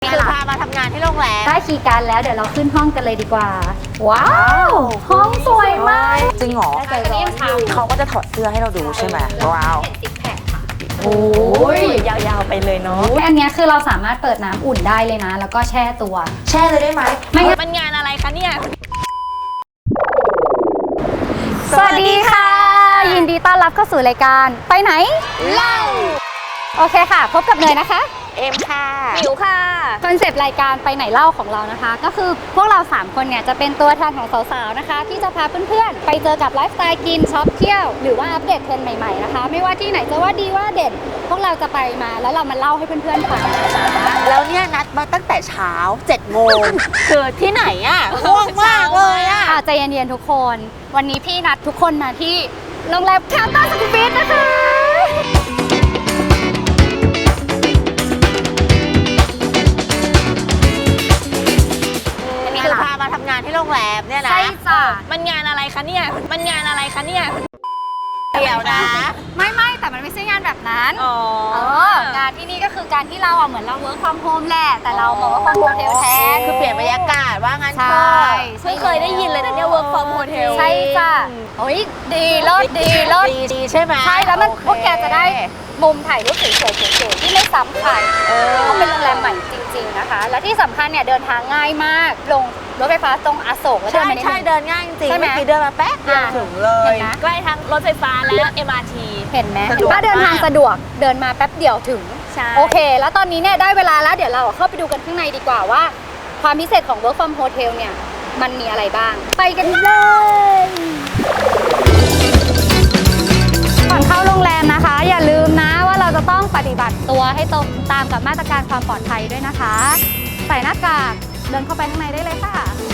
คือพามาทำงานที่โรงแรมได้คีย์การ์ดแล้วเดี๋ยวเราขึ้นห้องกันเลยดีกว่าว้าวห้องสวยมากจริงเหรอเขาก็จะถอดเสื้อให้เราดูใช่ไหมว้าวโอ้ยยาวๆไปเลยเนาะอันนี้คือเราสามารถเปิดน้ำอุ่นได้เลยนะแล้วก็แช่ตัวแช่เลยได้ไหมไม่งั้นมันงานอะไรคะเนี่ยสวัสดีค่ะยินดีต้อนรับเข้าสู่รายการไปไหนเล่าโอเคค่ะพบกับเนยนะคะเอ็มค่ะมิวค่ะคอนเซปต์รายการไปไหนเล่าของเรานะคะก็คือพวกเรา3คนเนี่ยจะเป็นตัวแทนของสาวๆนะคะที่จะพาเพื่อนๆไปเจอกับไลฟ์สไตล์กินช็อปเที่ยวหรือว่าอัปเดตเทรนด์ใหม่ๆนะคะไม่ว่าที่ไหนจะว่าดีว่าเด่นพวกเราจะไปมาแล้วเรามาเล่าให้เพื่อนๆฟังแล้วเนี่ยนัดมาตั้งแต่เช้า7 โมงเกิดที่ไหนอ่ะง่วงมากเลยอ่ะใจเย็นๆทุกคนวันนี้พี่นัดทุกคนมาที่โรงแรมคาร์ตันสกูบิทนะคะคือพามาทำงานที่โรงแรมเนี่ยนะใช่จ้ะมันงานอะไรคะเนี่ยมันงานอะไรคะเนี่ยเดี๋ยวนะไม่แต่มันไม่ใช่งานแบบนั้นงานที่นี่ก็คือการที่เราเหมือนเรา work from home แหละแต่เราบอกว่า from hotel แท้คือเปลี่ยนบรรยากาศว่างั้นใช่เพิ่งเคยได้ยินเลยนะเนี่ย work from hotel ใช่จ้ะโอ้ยดีเลิศดีใช่ไหมใช่แล้วมันพวกแกจะได้มุมถ่ายรูปสวยๆที่ไม่ซ้ำใครเพราะเป็นโรงแรมใหม่จริงๆนะคะและที่สำคัญเนี่ยเดินทางง่ายมากลงรถไฟฟ้าตรงอโศกแล้วเดินมาใช่เดินง่ายจริงๆเมื่อกี้เดินมาแป๊บเดียวถึงเลยใกล้ทั้งรถไฟฟ้าและ MRT เห็นไหมถ้าเดินทางสะดวกเดินมาแป๊บเดียวถึงโอเคแล้วตอนนี้เนี่ยได้เวลาแล้วเดี๋ยวเราเข้าไปดูกันข้างในดีกว่าว่าความพิเศษของ Work from Hotel เนี่ยมันมีอะไรบ้างไปกันเลยก่อนเข้าโรงแรมนะคะอย่าลืมนะว่าเราจะต้องปฏิบัติตัวให้ตรงตามกับมาตรการความปลอดภัยด้วยนะคะใส่หน้ากากเดินเข้าไปข้างในได้เลยค่ะ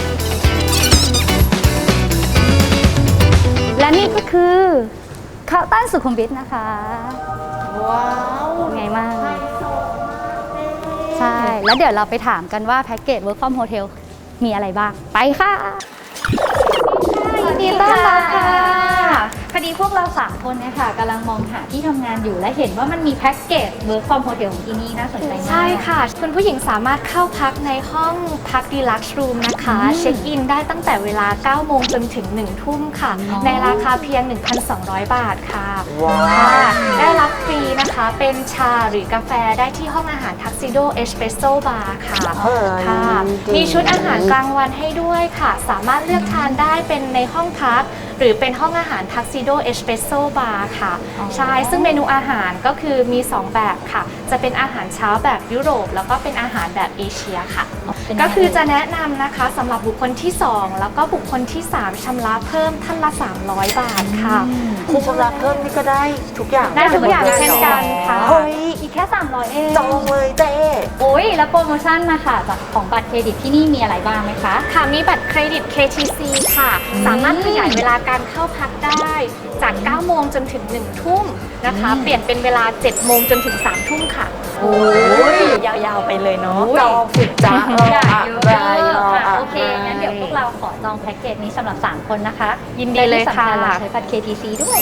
และนี่ก็คือคาร์ตันสุขุมวิทนะคะว้าวไงมากใช่แล้วเดี๋ยวเราไปถามกันว่าแพ็กเกจ Work from Hotel มีอะไรบ้างไปค่ะสวัสดีต้อนรับค่ะพอดีพวกเรา3คนเนี่ยค่ะกำลังมองหาที่ทำงานอยู่และเห็นว่ามันมีแพ็กเกจ Work from Hotel ของที่นี่น่าสนใจมากใช่ค่ะคุณผู้หญิงสามารถเข้าพักในห้องพัก Deluxe Room นะคะเช็คอินได้ตั้งแต่เวลา 9 โมงจนถึง 1 ทุ่มค่ะในราคาเพียง 1,200 บาทค่ะได้รับฟรีนะคะเป็นชาหรือกาแฟได้ที่ห้องอาหาร Tuxedo Espresso Bar ค่ะมีชุดอาหารกลางวันให้ด้วยค่ะสามารถเลือกทานได้เป็นในห้องพักหรือเป็นห้องอาหาร Tuxedo Espresso Bar ค่ะใช่ซึ่งเมนูอาหารก็คือมี2แบบค่ะจะเป็นอาหารเช้าแบบยุโรปแล้วก็เป็นอาหารแบบเอเชียค่ะก็คือจะแนะนำนะคะสำหรับบุคคลที่2แล้วก็บุคคลที่3ชำระเพิ่มท่านละ300 บาทค่ะคือชำระเพิ่มนี่ก็ได้ทุกอย่างได้ทุกอย่างเช่นกันค่ะเฮ้ยอีกแค่300เองจองเลยเจ๊โอ้ยแล้วโปรโมชั่นนะคะจากของบัตรเครดิตที่นี่มีอะไรบ้างไหมคะค่ะมีบัตรเครดิต KTC ค่ะสามารถขยายเวลาการเข้าพักได้จาก 9 โมงจนถึง 1 ทุ่มนะคะเปลี่ยนเป็นเวลา 7 โมงจนถึง 3 ทุ่มค่ะโอ้ยยาวๆไปเลยเนาะจองสิจ้าโอเคงั้นเดี๋ยวพวกเราขอจองแพ็กเกจนี้สำหรับ3คนนะคะยินดีเลยค่ะเราใช้บัตร KTC ด้วย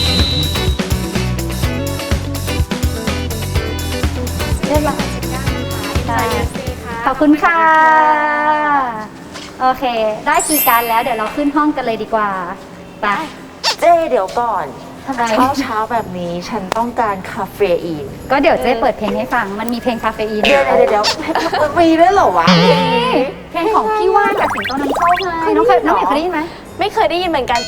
เรียบร้อยนะคะขอบคุณค่ะโอเคได้คีย์การ์ดแล้วเดี๋ยวเราขึ้นห้องกันเลยดีกว่าไปเจ๊เดี๋ยวก่อนทำไมเช้าแบบนี้ฉันต้องการคาเฟอีนก็เดี๋ยวเจ๊เปิดเพลงให้ฟังมันมีเพลงคาเฟอีนเดี๋ยวมีด้วยเหรอวะเพลงของพี่ว่านกับสิงโตนำโชคไงน้องเคยได้ยินไหมไม่เคยได้ยินเหมือนกัน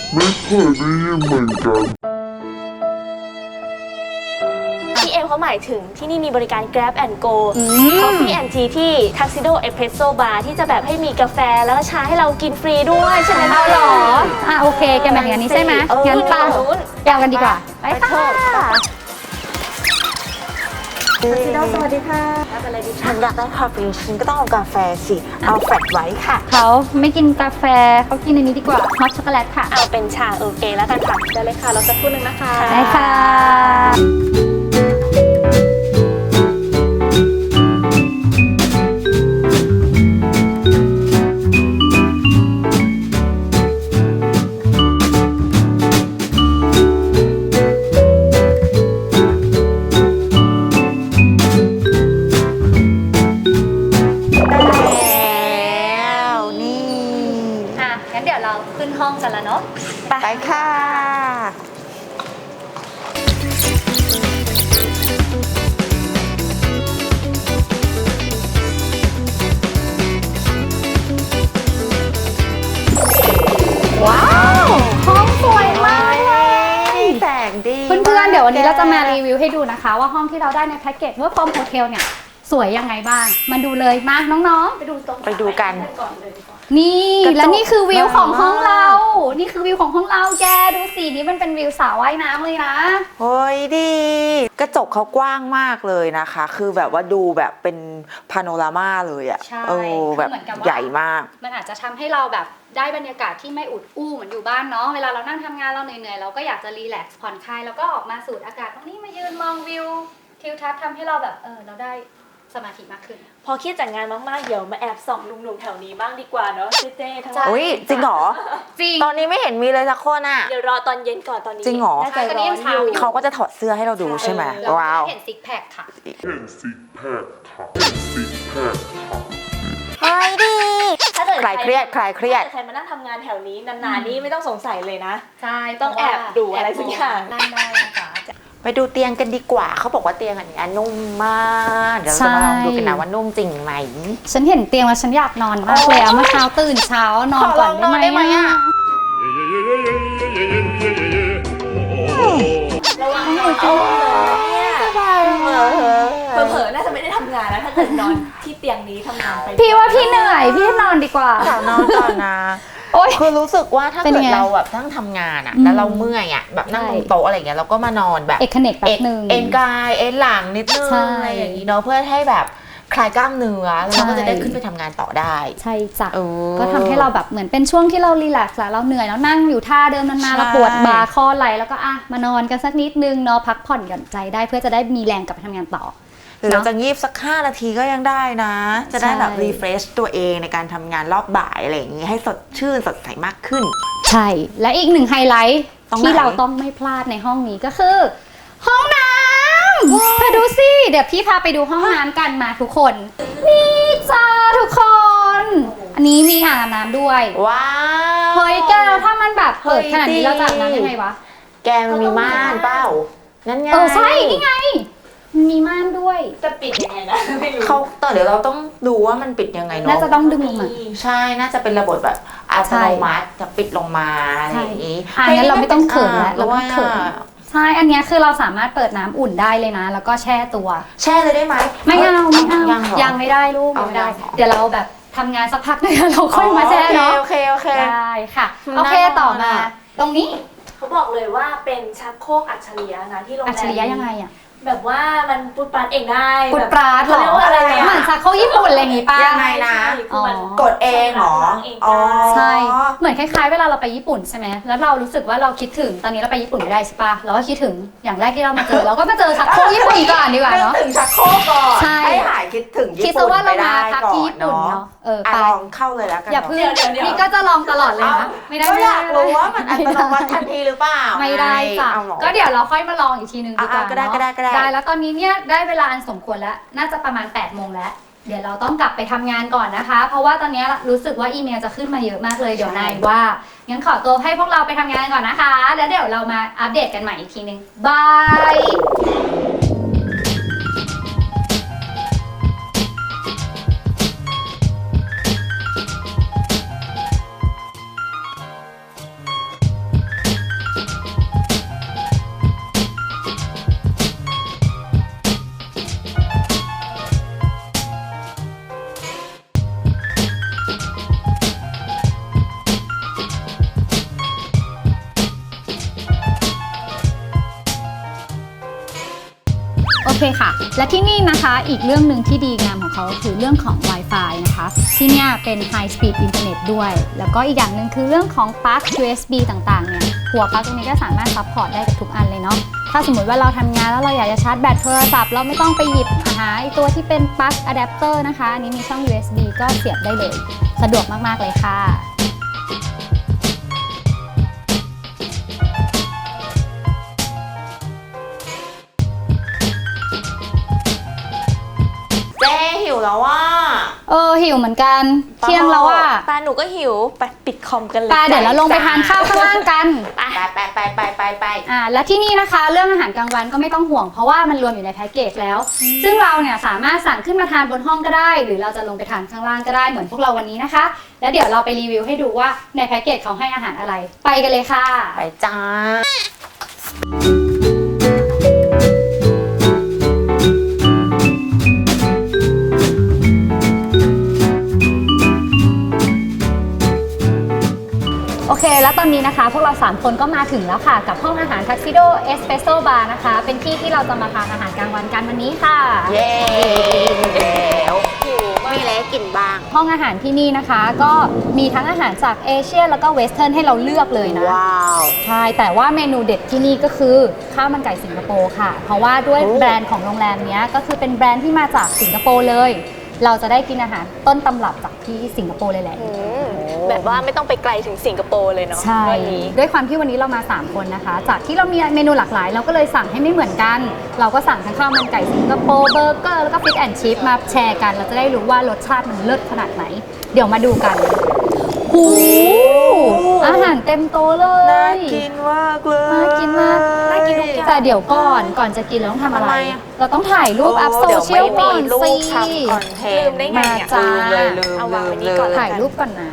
ที่เอ็มเขาหมายถึงที่นี่มีบริการ Grab and Go Coffee and Tea ที่ Tuxedo Espresso Bar ที่จะแบบให้มีกาแฟแล้วก็ชาให้เรากินฟรีด้วยใช่ไหมเอาหรอโอเคแกแบบนี้ใช่ไหมงั้นไปยาวกันดีกว่าไปค่ะ Tuxedo สวัสดีค่ะฉันอยากได้คาเฟอีนฉันก็ต้องเอากาแฟสิเอาแฟลตไว้ค่ะเขาไม่กินกาแฟเขากินอันนี้ดีกว่าฮอตช็อกโกแลตค่ะเอาเป็นชาโอเคแล้วกันค่ะได้เลยค่ะเราจะพูดนึงนะคะได้ค่ะค่ะว้าว ห้องสวยมากเลยแสงดีเพื่อนๆ เดี๋ยววันนี้เราจะมารีวิวให้ดูนะคะ ว่าห้องที่เราได้ในแพ็กเกจWork from Hotel เนี่ยสวยยังไงบ้าง มาดูเลยมาน้องๆไปดูตรงไปดูกันก่อนเลยดีกว่านี่กระจกและนี่คือวิวของห้องเรามากนี่คือวิวของห้องเราแกดูสินี่มันเป็นวิวสระว่ายน้ำเลยนะเฮ้ยดี กระจกเขากว้างมากเลยนะคะ คือแบบว่าดูแบบเป็นพาโนรามาเลยอะใช่แบบคือเหมือนกับว่าใหญ่มากมันอาจจะทำให้เราแบบได้บรรยากาศที่ไม่อุดอู้เหมือนอยู่บ้านเนาะเวลาเรานั่งทำงานเราเหนื่อยๆเราก็อยากจะรีแลกซ์ผ่อนคลายแล้วก็ออกมาสูดอากาศตรงนี้มายืนมองวิวทิวทัศน์ทำให้เราแบบเราได้สมาธิมากขึ้นพอเครียดจากงานมากๆ เดี๋ยวมาแอบส่องหนุ่มๆแถวนี้บ้างดีกว่าเนาะเจ๊ๆทั้งหลายอุ้ยจริงเหรอจริงตอนนี้ไม่เห็นมีเลยสักคนอะเดี๋ยวรอตอนเย็นก่อนตอนนี้จริงเหรอน่าจะร้อนอยู่เขาก็จะถอดเสื้อให้เราดูใช่ไหมเราว้าวเห็นซิกแพคค่ะเฮ้ยดีถ้าเกิดคลายเครียดคลายเครียดถ้ากิใครมานั่งทำงานแถวนี้นานๆนี่ไม่ต้องสงสัยเลยนะใช่ต้องแอบดูอะไรสักอย่างนั่งได้นะคะไปดูเตียงกันดีกว่า เขาบอกว่าเตียงอันนี้นุ่มมาก เดี๋ยวเราจะมาลองดูกันนะว่านุ่มจริงไหมฉันเห็นเตียงแล้วฉันอยากนอนมากเลยอะเมื่อเช้าตื่นเช้านอนก่อนได้ไหมขอลองนอนได้ไหมอะระวังนอนเอาเลยเนี่ยเออเผลอๆน่าจะไม่ได้ทำงานแล้วถ้าเกิดนอนที่เตียงนี้ทำงานไปพี่ว่าพี่เหนื่อยพี่นอนดีกว่าขอนอนก่อนนะโอ๊ยคือรู้สึกว่าถ้าเป็นเกิดไงเราแบบนั่งทำงานอะอืมแล้วเราเมื่อยอะแบบนั่งใช่ตรงโต๊ะอะไรอย่างเงี้ยเราก็มานอนแบบเอกเนกแป๊บนึงเอ็นกายเอ็นหลังนิดนึงใช่อะไรอย่างนี้เนาะเพื่อให้แบบคลายกล้ามเนื้อแล้วเราก็จะได้ขึ้นไปทำงานต่อได้ใช่จ้ะเออก็ทำให้เราแบบเหมือนเป็นช่วงที่เรารีแลกซ์อะเราเหนื่อยแล้วนั่งอยู่ท่าเดิมนานใช่ๆเราปวดบ่าคอไหล่แล้วก็มานอนกันสักนิดนึงเนาะพักผ่อนหย่อนใจได้เพื่อจะได้มีแรงกลับไปทำงานต่อหรือเราจะงีบสัก5 นาทีก็ยังได้นะ จะได้แบบใช่รีเฟรชตัวเองในการทำงานรอบบ่ายอะไรอย่างนี้ให้สดชื่นสดใสมากขึ้นใช่ และอีกหนึ่งไฮไลท์ตรงไหนที่เราต้องไม่พลาดในห้องนี้ก็คือ ห้องน้ำเธอดูสิ เดี๋ยวพี่พาไปดูห้องน้ำกันมาทุกคน นี่จ้าทุกคน อันนี้มีอ่างอาบน้ำด้วยว้าวเฮ้ยแกวถ้ามันแบบเปิดขนาดนี้เฮ้ยเราจะอาบน้ำยังไงวะแกมันมีม่านเปล่านั่นไงใช่ นี่ไง มันมีม่านด้วยจะปิดยังไงนะไม่รู้เขาต่อเดี๋ยวเราต้องดูว่ามันปิดยังไงเนาะน่าจะต้องดึงลงมาใช่น่าจะเป็นระบบแบบอัตโนมัติจะปิดลงมาอะไรอย่างนี้งั้นเราไม่ต้องเขินแล้วเราด้วไม่ยเขิน ใช่ อันเนี้ยคือเราสามารถเปิดน้ำอุ่นได้เลยนะ แล้วก็แช่ตัวแช่เลยได้ไหมไม่เอาไม่เอายังเหรอยังไม่ได้ลูกเอายังไม่ได้ยังเหรอเดี๋ยวเราแบบทำงานสักพักนึงเราค่อยมาแช่เนาะโอเคได้ค่ะน่าโอเคต่อมานอนอะตรงนี้เขาบอกเลยว่าเป็นชักโครกอัจฉริยะนะที่โรงแรมอัจฉริยะยังไงอะแบบว่ามันปุดปาดเองได้ปุดปราดเหรเขาเรียกอว่าอะไรอะเหมือนชักโครกญี่ปุ่นอะไรอย่างงี้ป่ะยังไงนะใช่คือมันกดเองเหรอล้างเองได้อ๋อใช่ เหมือนคล้ายๆเวลาเราไปญี่ปุ่นใช่ไหมแล้วเรารู้สึกว่าเราคิดถึง ตอนนี้เราไปญี่ปุ่นไม่ได้ใช่ปะเราก็คิดถึง อย่างแรกที่เรามาเจอ เราก็มาเจอชักโครกญี่ปุ่นก่อนดีกว่านึกเนาะถึงชักโครกก่อนใช่ให้หายคิดถึงคิดญี่ซะปุ่นว่าไปเรามาได้พักก่อที่นญี่ปุ่นเนาะเนาะอ่ะไปลองเข้าเลยแล้วกันอย่าเนาะเพิ่งเดี๋ยวนี่ก็จะลองตลอดเลยนะ ไม่ได้ก็อยากไม่รู้ได้ว่ามันอัตโนมัติทันทีหรือเปล่าไม่ได้จ้ะเอาเหรอก็เดี๋ยวเราค่อยมาลองอีกทีนึงดีกว่าก็ได้เนาะก็ได้ก็ได้ได้แล้วตอนนี้เนี่ยได้เวลาอันสมควรแล้ว น่าจะประมาณ8 โมงแล้ว เดี๋ยวเราต้องกลับไปทำงานก่อนนะคะ เพราะว่าตอนนี้รู้สึกว่าอีเมลจะขึ้นมาเยอะมากเลย เดี๋ยวนายว่า งั้นขอตัวให้พวกเราไปทำงานก่อนนะคะ แล้วเดี๋ยวเรามาอัปเดตกันใหม่อีกทีนึงบาย โอเคค่ะ และที่นี่นะคะอีกเรื่องหนึ่งที่ดีงามของเขาคือเรื่องของ Wi-Fi นะคะ ที่เนี่ยเป็น High Speed Internet ด้วย แล้วก็อีกอย่างหนึ่งคือเรื่องของปลั๊ก USB ต่างๆ เนี่ยหัวปลั๊กตรงนี้ก็สามารถซัพพอร์ตได้กับทุกอันเลยเนาะ ถ้าสมมติว่าเราทำงานแล้วเราอยากจะชาร์จแบตโทรศัพท์เราไม่ต้องไปหยิบหาไอ้ตัวที่เป็นปลั๊กอะแดปเตอร์นะคะ อันนี้มีช่อง USB ก็เสียบได้เลย สะดวกมากๆเลยค่ะเจ๊หิวแล้วว่าโอหิวเหมือนกันเที่ยงแล้วอ่ะปลาหนูก็หิวไปปิดคอมกันเลยปลาเดี๋ยวเราลงไปทานข้าวข้างล่างกันไปและที่นี่นะคะเรื่องอาหารกลางวันก็ไม่ต้องห่วงเพราะว่ามันรวมอยู่ในแพ็กเกจแล้ว ซึ่งเราเนี่ยสามารถสั่งขึ้นมาทานบนห้องก็ได้ หรือเราจะลงไปทานข้างล่างก็ได้เหมือนพวกเราวันนี้นะคะ แล้วเดี๋ยวเราไปรีวิวให้ดูว่าในแพ็กเกจเขาให้อาหารอะไร ไปกันเลยค่ะไปจ้าโอเค แล้วตอนนี้นะคะพวกเรา 3 คนก็มาถึงแล้วค่ะกับห้องอาหาร Tuxedo Espresso Bar นะคะเป็นที่ที่เราจะมาทานอาหารกลางวันกันวันนี้ค่ะเย้แล้วมีอะไรให้กินบ้างห้องอาหารที่นี่นะคะก็มีทั้งอาหารจากเอเชียแล้วก็เวสเทิร์นให้เราเลือกเลยนะว้าวใช่แต่ว่าเมนูเด็ดที่นี่ก็คือข้าวมันไก่สิงคโปร์ค่ะ เพราะว่าด้วยแบรนด์ของโรงแรมเนี้ยก็คือเป็นแบรนด์ที่มาจากสิงคโปร์เลย เราจะได้กินอาหารต้นตำรับจากที่สิงคโปร์เลยแหละแบบว่าไม่ต้องไปไกลถึงสิงคโปร์เลยเนาะใช่วันนี้ด้วยความที่วันนี้เรามา 3 คนนะคะ จากที่เรามีเมนูหลากหลาย เราก็เลยสั่งให้ไม่เหมือนกัน เราก็สั่งทั้งข้าวมันไก่สิงคโปร์เบอร์เกอร์แล้วก็ฟิชแอนด์ชิพมาแชร์กัน เราจะได้รู้ว่ารสชาติมันเลิศขนาดไหน เดี๋ยวมาดูกันหูอาหารเต็มโต๊ะเลน่าย กินมากเลยน่ากินมากน่ากินทุกอย่างแต่เดี๋ยวก่อนจะกินเราต้องทำอะไรทำไมอะเราต้องถ่ายรูปอัพโซเชียลก่อนรูสิปทำคอนเทนลืต์มได้ไงมาเนี่ยจ้าลืมเอาวางไว้นี่เลยก่อนถ่ายรูปก่อนนะ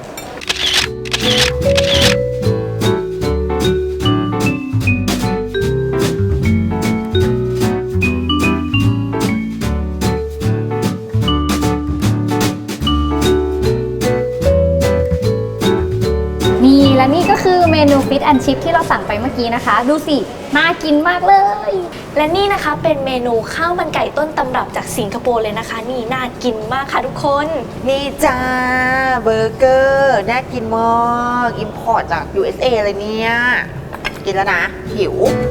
นี่และนี่ก็คือเมนูฟิชแอนชิพที่เราสั่งไปเมื่อกี้นะคะ ดูสิน่ากินมากเลยและนี่นะคะเป็นเมนูข้าวมันไก่ต้นตำรับจากสิงคโปร์เลยนะคะ นี่น่ากินมากค่ะทุกคนนี่จ้าเบอร์เกอร์น่ากินมากอิมพอร์ตจาก USA เลยเนี่ย กินแล้วนะ หิว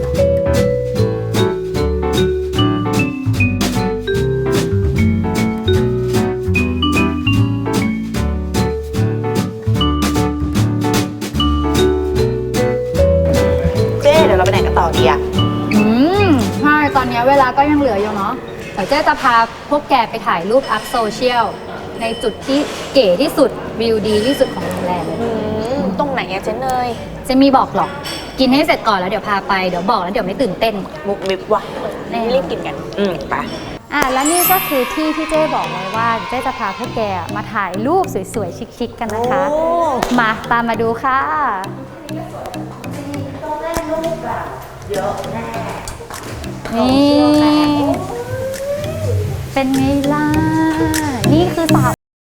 เจ๊เดี๋ยวเราไปไหนกันต่อดีอะใช่ ตอนนี้เวลาก็ยังเหลืออยู่เนาะเดี๋ยวเจ๊จะพาพวกแกไปถ่ายรูปอัพโซเชียลในจุดที่เก๋ที่สุดวิวดีที่สุดของโรงแรมเลยตรงไหนอะเจ๊เนยเจะมีบอกหรอก กินให้เสร็จก่อนแล้วเดี๋ยวพาไป เดี๋ยวบอกแล้วเดี๋ยวไม่ตื่นเต้นมุกมิกว่ะรีบกินกันไปแล้วนี่ก็คือที่ที่เจ๊บอกไว้ว่าเจ๊จะพาพวกแกมาถ่ายรูปสวยๆชิคๆกันนะคะโอ้มาตามมาดูค่ะ นี่ เป็นไงล่ะ นี่คือสาว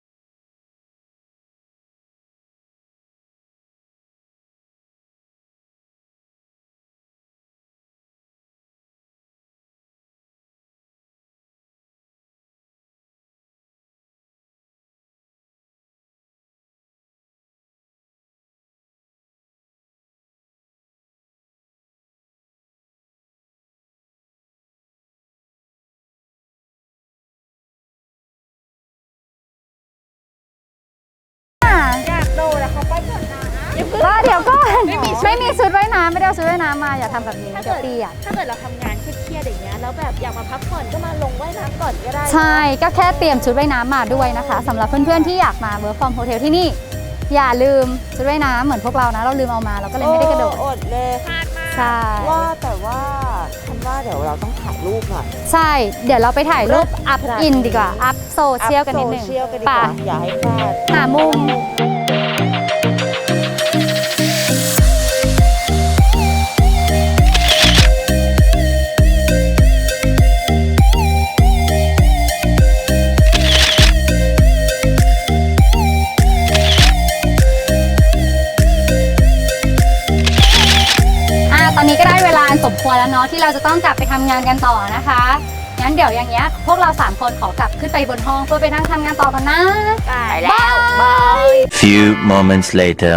อยากโดดอะเขาไปก่อนนะเดี๋ยวก่อนไม่มีชุดว่ายน้ำไม่ได้เอาชุดว่ายน้ำมาอย่าทำแบบนี้เดี๋ยวเปียกถ้าเกิดเราทำงานเครียดๆอย่างเงี้ยแล้วแบบอยากมาพักผ่อนก็มาลงว่ายน้ำก่อนก็ได้ใช่ ก็แค่เตรียมชุดว่ายน้ำมาด้วยนะคะสำหรับเพื่อนๆที่อยากมาเวิร์คฟอร์มโฮเทลที่นี่ อย่าลืมชุดว่ายน้ำเหมือนพวกเรานะ เราลืมเอามาเราก็เลยไม่ได้กระโดดอดเลยใช่ว่าแต่ว่าฉันว่าเดี๋ยวเราต้องถ่ายรูปหน่อยใช่ เดี๋ยวเราไปถ่ายรูปอัพอินดีกว่า อัพโซเชียลกันนิดนึงโซเชียลกันดีกไป่ะว่าอย่าให้พลาดหามุมตอนนี้ก็ได้เวลาสมควรแล้วเนาะที่เราจะต้องกลับไปทำงานกันต่อนะคะ งั้นเดี๋ยวอย่างเงี้ยพวกเรา3คนขอกลับขึ้นไปบนห้องเพื่อไปนั่งทำงานต่อกันนะได้แล้วบาย Few moments later.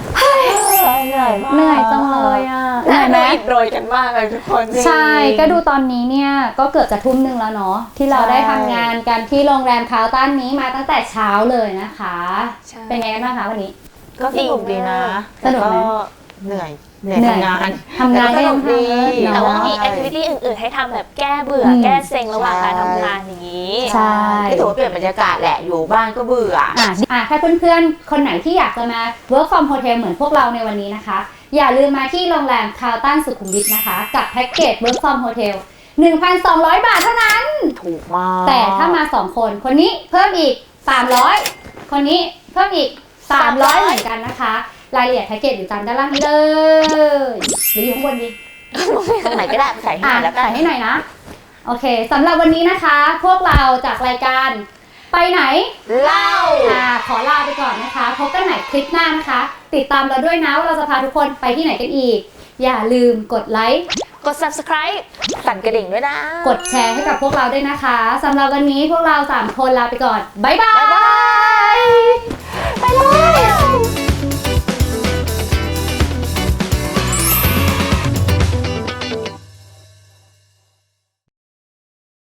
เหนื่อยจังเลยอ่ะเหนื่อยไหมอิดโรยกันมากเลยทุกคนใช่ ก็ดูตอนนี้เนี่ยก็เกือบจะทุ่มหนึ่งแล้วเนาะที่เราได้ทำงานกันที่โรงแรมคาวตันนี้มาตั้งแต่เช้าเลยนะคะ เป็นไงกันบ้างคะวันนี้ก็สนุกดีนะสนุกไหมแต่เหนื่อยเหนื่อยทำงานก็ยังดีทำแต่ว่ามีใช่แอคทิวิตี้อื่นๆ ให้ทำแบบแก้เบื่อ แก้เซ็งระหว่างการทำงานอย่างนี้ใช่ก็ถือว่าเปลี่ยนบรรยากาศแหละอยู่บ้านก็เบื่อถ้าเพื่อนๆ คนไหนที่อยากจะมา work from hotel เหมือนพวกเราในวันนี้นะคะ อย่าลืมมาที่โรงแรมคาร์ลตันสุขุมวิทนะคะ กับแพ็กเกจ work from hotel 1,200 บาทเท่านั้นถูกมากแต่ถ้ามา 2 คน คนนี้เพิ่มอีก 300 คนนี้เพิ่มอีก 300 เหมือนกันนะคะ รายละเอียดแพ็กเกจอยู่ตามด้านล่างนี้เลยหรืออยู่ข้างบนดีตรงไหนก็ได้ใส่ให้หน่อยแล้วกันใส่ให้หน่อยนะ โอเคสำหรับวันนี้นะคะ พวกเราจากรายการไปไหนเล่าขอลาไปก่อนนะคะพบกันใหม่คลิปหน้านะคะ ติดตามเราด้วยนะว่าเราจะพาทุกคนไปที่ไหนกันอีก อย่าลืมกดไลค์กด subscribe สั่นกระดิ่งด้วยนะกดแชร์ให้กับพวกเราด้วยนะคะสำหรับวันนี้พวกเรา3 คนลาไปก่อนบ๊ายบายบ๊ายบายไปเลย